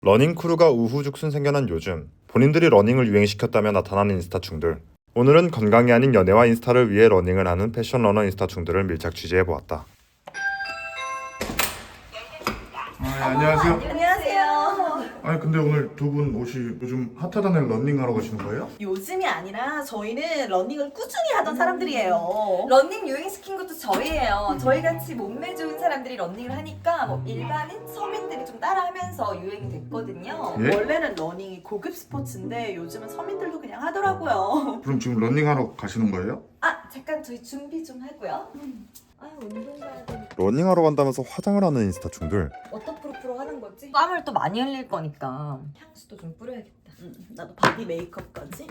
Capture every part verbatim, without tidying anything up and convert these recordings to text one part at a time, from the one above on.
러닝 크루가 우후죽순 생겨난 요즘, 본인들이 러닝을 유행시켰다며 나타나는 인스타충들. 오늘은 건강이 아닌 연애와 인스타를 위해 러닝을 하는 패션 러너 인스타충들을 밀착 취재해보았다. 아, 예, 안녕하세요. 안녕하세요. 아니 근데 오늘 두 분 옷이 요즘 핫하다는 러닝하러 가시는 거예요? 요즘이 아니라 저희는 러닝을 꾸준히 하던 사람들이에요. 러닝 유행시킨 것도 저희예요. 저희 같이 몸매 좋은 사람들이 러닝을 하니까 뭐 일반인 서민들이 좀 따라하면서 유행이 됐거든요. 예? 원래는 러닝이 고급 스포츠인데 요즘은 서민들도 그냥 하더라고요. 그럼 지금 러닝하러 가시는 거예요? 아 잠깐 저희 준비 좀 하고요. 아 운동 가야 되니까 러닝하러 간다면서 화장을 하는 인스타충들. 워터프루프로 하는 거지? 땀을 또 많이 흘릴 거니까 향수도 좀 뿌려야겠다. 음, 나도 바디 메이크업까지.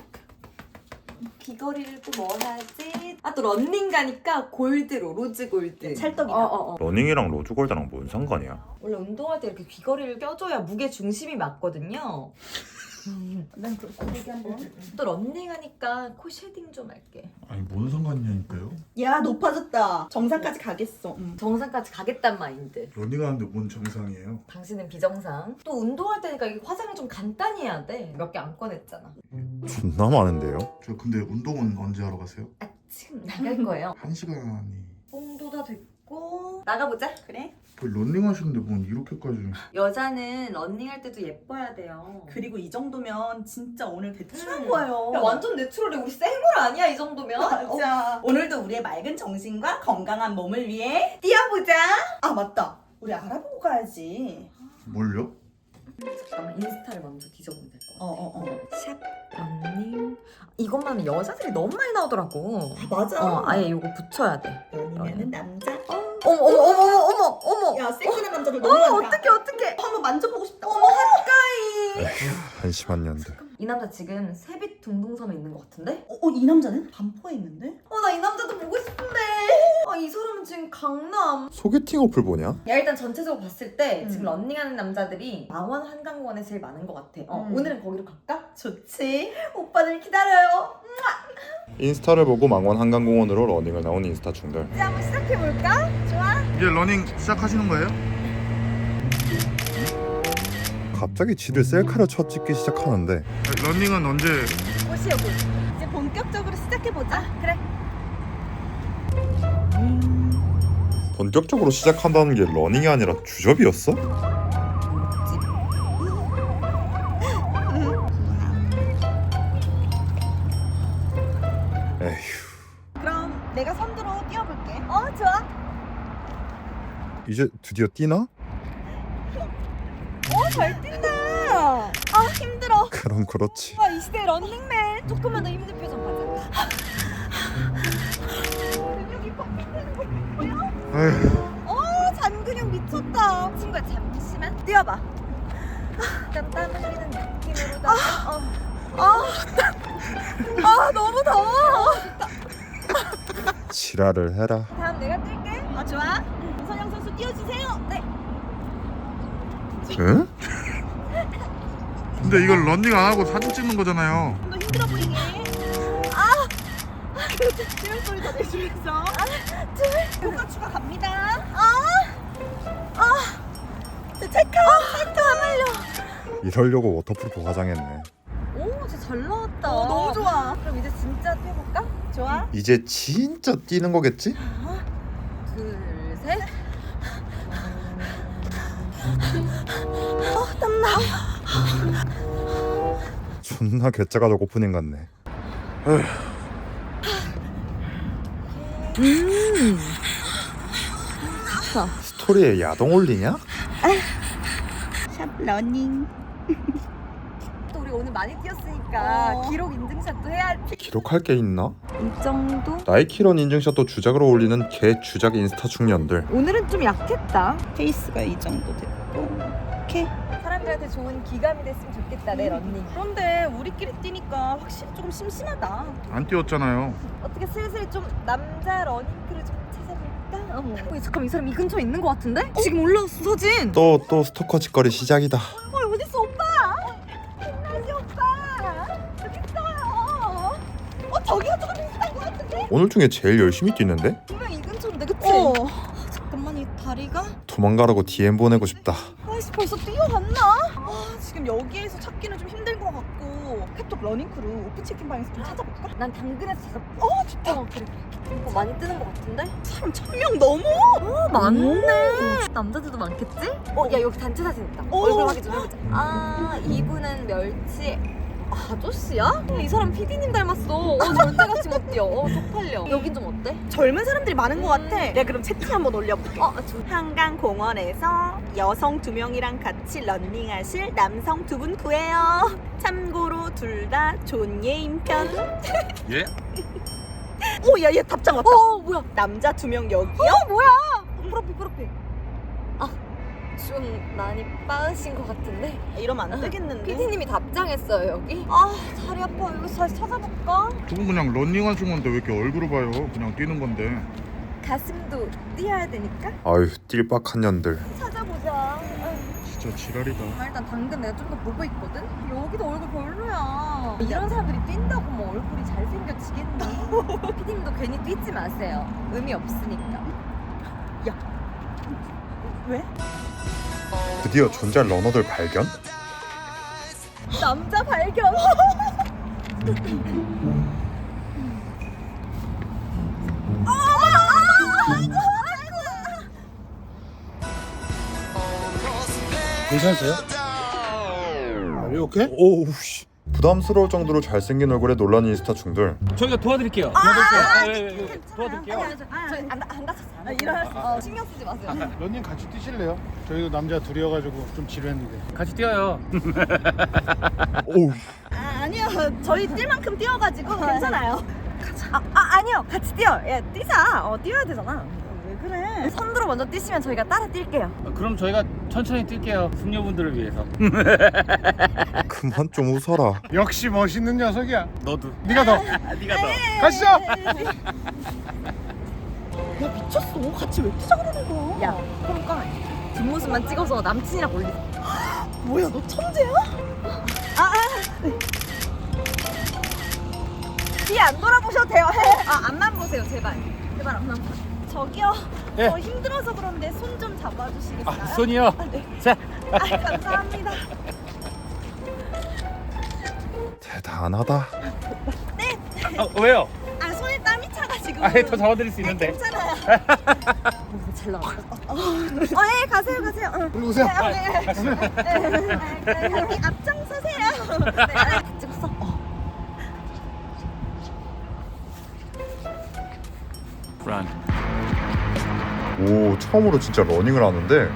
귀걸이를 또 뭐 하지? 아 또 러닝 가니까 골드로 로즈 골드. 찰떡이다. 어어어. 러닝이랑 로즈골드랑 뭔 상관이야? 원래 운동할 때 이렇게 귀걸이를 껴줘야 무게 중심이 맞거든요. 난 그럼 고데기 한번. 또 런닝하니까 코 쉐딩 좀 할게. 아니 뭔 상관이냐니까요. 야 높아졌다. 정상까지 가겠어. 음. 정상까지 가겠단 마인드. 러닝하는데 뭔 정상이에요? 당신은 비정상. 또 운동할 때니까 이게 화장을 좀 간단히 해야 돼. 몇 개 안 꺼냈잖아. 존나 많은데요? 저 근데 운동은 언제 하러 가세요? 아 지금 나갈 거예요. 한 시간이. 정도 다 됐고 나가보자. 그래? 그 러닝 하시는데 뭔 이렇게까지. 여자는 런닝할 때도 예뻐야 돼요. 그리고 이 정도면 진짜 오늘 배출한 음. 거예요. 야 완전 내추럴해. 우리 생얼 아니야 이 정도면? 어, 맞아. 오늘도 우리의 맑은 정신과 건강한 몸을 위해 뛰어보자. 아 맞다. 우리 알아보고 가야지. 뭘요? 잠깐만 인스타를 먼저 뒤져보면 될 것 같아. 어어어. 샵 런닝 이것만 하면 여자들이 너무 많이 나오더라고. 맞아. 어 아예 이거 붙여야 돼. 연이면은 남자. 어머 어머 어머 어머 어머. 야 섹시한 남자들 너무 어머 많다. 어떡해 어떡해. 한번 만져보고 싶다. 어머 가까이. 한심한 년들. 이 남자 지금 세빛 둥둥섬에 있는 것 같은데? 어, 어, 이 남자는 반포에 있는데? 어 나 이 남자도 보고 싶은데. 아 이 사람은 지금 강남. 소개팅 어플 보냐? 야 일단 전체적으로 봤을 때 음. 지금 런닝하는 남자들이 망원 한강공원에 제일 많은 것 같아. 어 음. 오늘은 거기로 갈까? 좋지. 오빠들 기다려요. 인스타를 보고 망원 한강공원으로 러닝을 나온 인스타충들. 이제 한번 시작해 볼까? 좋아. 이제 러닝 시작하시는 거예요? 갑자기 지들 셀카를 쳐 찍기 시작하는데 러닝은 언제? 옷이요 옷. 이제 본격적으로 시작해보자. 그래. 본격적으로 시작한다는 게 러닝이 아니라 주접이었어? 에휴, 그럼 내가 선두로 뛰어볼게. 어 좋아. 이제 드디어 뛰나? 잘 뛴다. 아 힘들어. 그럼 그렇지. 와 이 시대 런닝맨. 조금만 더 힘든 표정 가자. 근육이 펑펑 되는 거 보여? 에휴. 어 잔근육 미쳤다. 친구야 잠시만 뛰어봐. 약간 땀 흘리는 느낌으로다가 어. 아, 아 너무 더워. 지랄을 해라. 다음 내가 뛸게. 아 좋아. 선영 선수 뛰어주세요. 네. 응? 근데 이걸 러닝 안 하고 사진 찍는 거잖아요. 좀 더 힘들어 보이게. 아. 찌울 소리 더 내주면서. 아, 찌울. 효과 추가 갑니다. 체크. 체크 하말려. 이러려고 워터프루프 화장했네. 오 진짜 잘 나왔다. 어, 너무 좋아. 그럼 이제 진짜 뛰어볼까? 좋아. 이제 진짜 뛰는 거겠지? 둘 셋. 존나 괴짜가족 오프닝 같네. 스토리에 야동 올리냐? 샵 러닝. 또 우리 오늘 많이 뛰었으니까 어. 기록 인증샷도 해야 할 피. 기록할 게 있나? 이 정도? 나이키런 인증샷도 주작으로 올리는 개 주작 인스타 중년들. 오늘은 좀 약했다. 페이스가 이 정도 됐고. 오케이. 사람들한테 좋은 기감이 됐으면 좋겠다 내 런닝. 그런데 우리끼리 뛰니까 확실히 조금 심심하다. 안 뛰었잖아요. 어떻게 슬슬 좀 남자 러닝크를 좀 찾아볼까? 어머. 어, 잠깐 이 사람 이 근처에 있는 것 같은데? 지금 올라왔어 사진. 또 또 스토커 짓거리 시작이다. 어 어딨어 오빠? 김나지 오빠. 여기 있어요. 어 저기가 더 비슷한 것 같은데? 오늘 중에 제일 열심히 뛰는데? 분명 이 근처인데 그치? 어. 잠깐만 이 다리가? 도망가라고 디엠 보내고 싶다. 아이씨 벌써 뛰어갔나? 아 방에서 찾기는 좀 힘든 것 같고 카톡 러닝크루 오픈치킨 방에서 좀 찾아볼까? 난 당근에서 찾아볼게. 어 좋다. 어 그래. 어, 많이 뜨는 것 같은데? 사람 천 명 넘어. 어 많네. 남자들도 많겠지? 어 야 여기 단체 사진 있다. 오. 얼굴 확인 좀 해보자. 아 이분은 멸치. 아저씨야? 이 사람 피디님 닮았어. 어 절대같이 못 뛰어. 어 쪽팔려. 여긴 좀 어때? 젊은 사람들이 많은 것 음. 같아. 내가 그럼 채팅 한번 올려볼게. 어 좋. 한강공원에서 여성 두 명이랑 같이 런닝하실 남성 두 분 구해요. 참고로 둘 다 존예인 편. 예? 오, 야, 얘 답장 왔다. 어 뭐야? 남자 두 명 여기요? 어 뭐야? 프로필 프로필. 아좀 많이 빠으신 것 같은데. 이러면 안 되겠는데. 피디님이 답장했어요 여기. 아 다리 아파. 이거 다시 찾아볼까? 두분 그냥 런닝하신 건데 왜 이렇게 얼굴을 봐요? 그냥 뛰는 건데. 가슴도 뛰어야 되니까. 아유 띨빡한 년들. 찾아보자. 진짜 지랄이다. 아, 일단 당근 내가 좀 더 보고 있거든? 여기도 얼굴 별로야. 이런 사람들이 뛴다고 뭐 얼굴이 잘생겨지겠니? 피디님도 괜히 뛰지 마세요. 의미 없으니까. 왜? 드디어 존잘 러너들 발견? 남자 발견. 괜찮으세요? Are you okay? 오우 씨. 부담스러울 정도로 잘생긴 얼굴에 놀란 인스타 중들. 저희가 도와드릴게요. 도와드릴게요. 아, 예, 예, 예. 도와드릴게요. 저안 안 다쳤어요. 아, 일어났어. 어, 신경 쓰지 마세요. 런닝 같이 뛰실래요? 저희도 남자 둘이어가지고 좀 지루했는데. 같이 뛰어요. 오우. 아, 아니요. 저희 뛸 만큼 뛰어가지고 괜찮아요. 아, 아, 아니요. 같이 뛰어. 야, 뛰자. 어, 뛰어야 되잖아. 왜 그래? 선두로 먼저 뛰시면 저희가 따라 뛸게요. 그럼 저희가 천천히 뛸게요. 숙녀분들을 위해서. 그만 좀 웃어라. 역시 멋있는 녀석이야. 너도. 네가 더. 네가 더. 가시죠. 야, 미쳤어. 같이 왜 뛰자 그러는 거야? 야, 그러니까 뒷모습만 찍어서 남친이랑 올리. 뭐야, 너 천재야? 아, 아. 네. 뒤에 안 돌아보셔도 돼요. 아 앞만 보세요 제발. 제발 앞만 보세요. 저기요. 예. 저 힘들어서 그런데 손 좀 잡아주시겠어요? 아, 손이요. 아, 네. 자. 아, 감사합니다. 대단하다. 어, 왜요? 아, 손에 땀이 차가지고. 아, 더 잡아드릴 수 있는데. 괜찮아요. 잘 나와. 어, 예, 가세요, 가세요. 응. 일로 오세요. 네, 네, 네. 네, 여기 앞장서세요. 네, 다 찍었어? 어. Run. 오 처음으로 진짜 러닝을 하는데.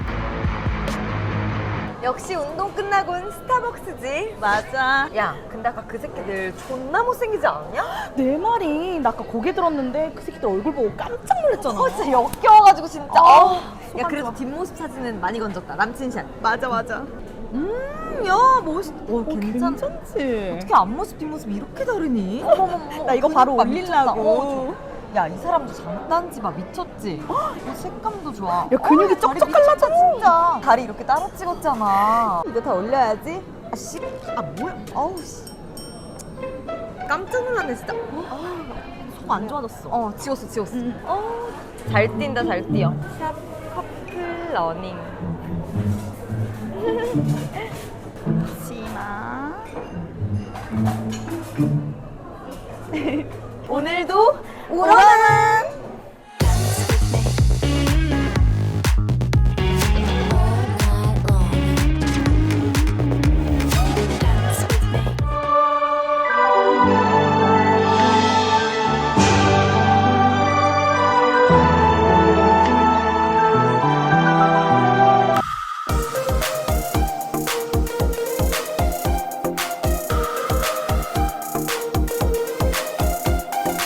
역시 운동 끝나곤 스타벅스지. 맞아. 야, 근데 아까 그 새끼들 존나 못생기지 않냐? 내 말이 나 아까 고개 들었는데 그 새끼들 얼굴 보고 깜짝 놀랐잖아. 어, 진짜 역겨워가지고 진짜. 어, 어. 야, 소감 그래도 좋아. 뒷모습 사진은 많이 건졌다. 남친샷. 맞아, 맞아. 음, 야, 멋있. 어, 괜찮. 괜찮지? 어떻게 앞모습 뒷모습 이렇게 다르니? 어머머머. 나 이거 바로 그니까 미쳤다. 올리려고. 어, 저- 야, 이 사람도 장단지 봐. 미쳤지? 야, 색감도 좋아. 야, 근육이 어, 다리 쩍쩍 미쳤다, 갈라져. 진짜. 다리 이렇게 따로 찍었잖아. 이거 다 올려야지. 아, 씨. 아, 뭐야? 어우, 씨. 깜짝 놀랐네, 진짜. 속 안 좋아졌어. 어, 지웠어, 지웠어. 응. 어, 잘 뛴다, 잘 뛰어. 샵 커플 러닝. 치마. 오늘도 울어라!